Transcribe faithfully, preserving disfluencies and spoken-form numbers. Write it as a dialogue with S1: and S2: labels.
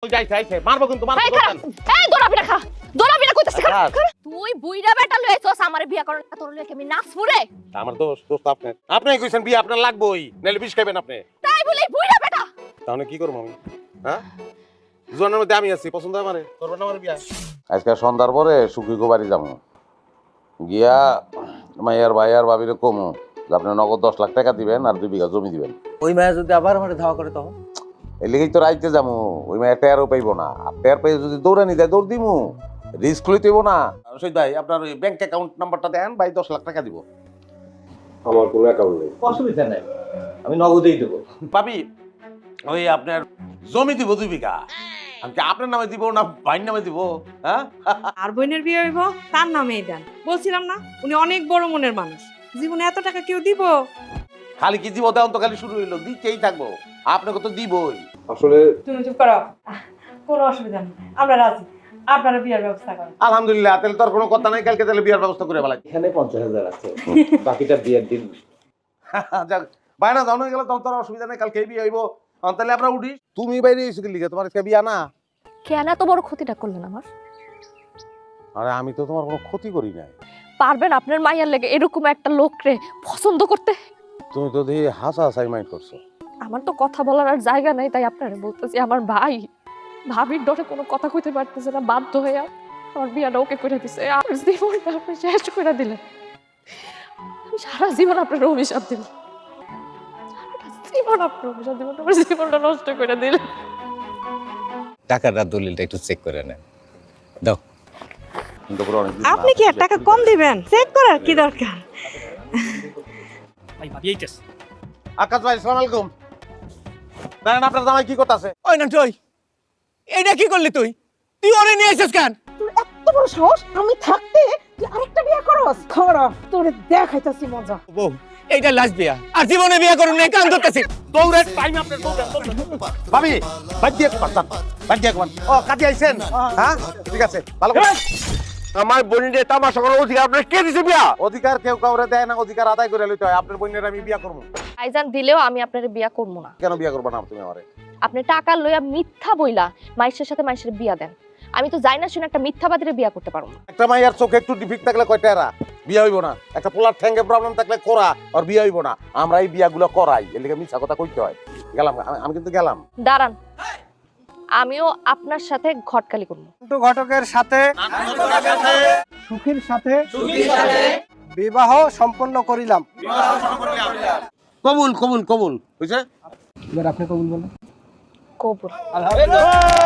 S1: যাইছে আইছে মারবো কিন্তু মারবো
S2: এই খারাপ এই দোলা পিঠা খা দোলা পিঠা কইতাছিস খারাপ তুই বুইড়া বেটা লইছস আমারে বিয়া করন তোর লইকে আমি নাচমু রে
S1: আমার দোস্ত দোস্ত আপনি আপনি কইছেন বিয়ে আপনার লাগবেই নাইলে বিষ খাবেন আপনি
S2: তাই বলি বুইড়া বেটা
S1: তাহলে কি করব আমি হ্যাঁ জনের মধ্যে আমি আছি পছন্দ আমারে করবেন আমার বিয়া আজকে সন্ধ্যার পরে সুখীগো বাড়ি যাবো গিয়া মাইয়ার ভাইয়ার ভাবিরে কমু আপনি নগদ দশ লাখ টাকা দিবেন আর দুই বিঘা জমি দিবেন
S3: ওই মায়া যদি আবার আমার ধাওয়া করে তখন
S1: এই লেগেই তো রাইতে যাবো ওই মায়ের টেয়ারও পাইবো না আর টেয়ার পাই যদি দৌড়ানি যায় দৌড় দিমু রিস্ক লইতেইব না সৈয়দ ভাই আপনার ওই ব্যাংক অ্যাকাউন্ট নাম্বারটা দেন ভাই দশ লাখ টাকা দিব আমার কোনো অ্যাকাউন্ট নেই
S3: অসুবিধা নাই আমি নগদেই দেবো
S1: পাবি ওই আপনার জমি দিব দুই বিঘা আমি কি আপনার নামে দিব না ভাইয়ের নামে দিব হ্যাঁ
S4: আর বোনের বিয়ে হইব তার নামেই দেন বলছিলাম না উনি অনেক বড় মনের মানুষ জীবনে এত টাকা কেউ দিব
S1: খালি কি দিব দেন তো খালি শুরু হইলো দিতেই থাকবো আপনাকে তো দিবই
S5: আসলে
S4: তুমি চুপ করো কোনো অসুবিধা নেই আমরা রাজি আপনারা বিয়ের ব্যবস্থা করেন
S1: আলহামদুলিল্লাহ তাহলে তোর কোনো কথা নাই কালকে তাহলে বিয়ার ব্যবস্থা করে ফেলাই
S3: এখানে পঞ্চাশ হাজার আছে বাকিটা বিয়ের দিন
S1: যাক বাইনা জানো গেলে তখন তোর অসুবিধা নেই কালকে বিয়ে হইব তাহলে আমরা উঠি তুমি বাইরে এসে কি লিখে তোমার আজকে বিয়া না
S2: কেন এত বড় ক্ষতিটা করলেন আমার
S1: আরে আমি তো তোমার কোনো ক্ষতি করি নাই
S2: পারবেন আপনার মাইয়ার লেগে এরকম একটা লোকরে পছন্দ করতে
S1: তুমি তো দেখি হাসা হাসাই মাইন্ড করছো
S2: আমার তো কথা বলার আর জায়গা নাই তাই আপনারে বলতেছি আমার ভাই ভাবির ডরে কোনো কথা কইতে পারতেছে না বাধ্য হয়ে আমার বিয়াটা ওকে করে দিছে আর জীবনটা আপনি শেষ করে দিলেন আমি সারা জীবন আপনার অভিশাপ দিব সারাটা জীবন আপনার অভিশাপ দিব আমার জীবনটা নষ্ট করে দিলেন
S6: টাকাটা দলিলটা একটু চেক করে নেন দাও
S4: আপনি কি আর টাকা কম দিবেন চেক করার কি দরকার
S7: ভাই ভাবি এইটাস
S1: আকাশ ভাই আসসালামু আলাইকুম জানেন আপনার জামাই কি করতেছে
S7: ওই না তুই এইটা কি করলি তুই তুই ওরে নিয়ে আইছিস কেন
S8: তোর এত বড় সাহস আমি থাকতে তুই আরেকটা বিয়ে করস খারাপ তোরে দেখাইতাছি মজা
S7: বউ এইটা লাস্ট বিয়া আর জীবনে বিয়া করুন না কান ধরতেছি
S1: দৌড়ে টাইম আপনার দৌড়ে ভাবি বাদ দিয়ে কথা বাদ দিয়ে কোন ও কাজে আইছেন হ্যাঁ ঠিক আছে ভালো করে আমার বোনের তামাশা করার অধিকার আপনার কে দিছে বিয়া অধিকার কেউ কাউরে দেয় না অধিকার আদায় করে লইতে হয় আপনার বোনের আমি বিয়া করব
S2: আইজান দিলেও আমি আপনারে বিয়া করব না
S1: কেন বিয়া করব না তুমি আমারে
S2: আপনি টাকা লইয়া মিথ্যা বইলা মাইশের সাথে মাইশের বিয়া দেন আমি তো যাই না শুনে একটা মিথ্যাবাদীরে বিয়া করতে পারবো না
S1: একটা মাইয়ার চোখে একটু ডিফিক্ট থাকলে কয়টা এরা বিয়া হইব না একটা পোলার ঠ্যাঙ্গে প্রবলেম থাকলে করা আর বিয়া হইব না আমরা এই বিয়াগুলো করাই এর লিগে মিছা কথা কইতে হয় গেলাম আমি- আমি কিন্তু গেলাম
S2: দাঁড়ান আমিও আপনার সাথে ঘটকালি করব
S9: কিন্তু ঘটকের সাথে সুখীর সাথে বিবাহ সম্পন্ন করিলাম
S1: কবুল কবুল কবুল বুঝছে
S9: এবার আপনি কবুল বলেন
S2: কবুল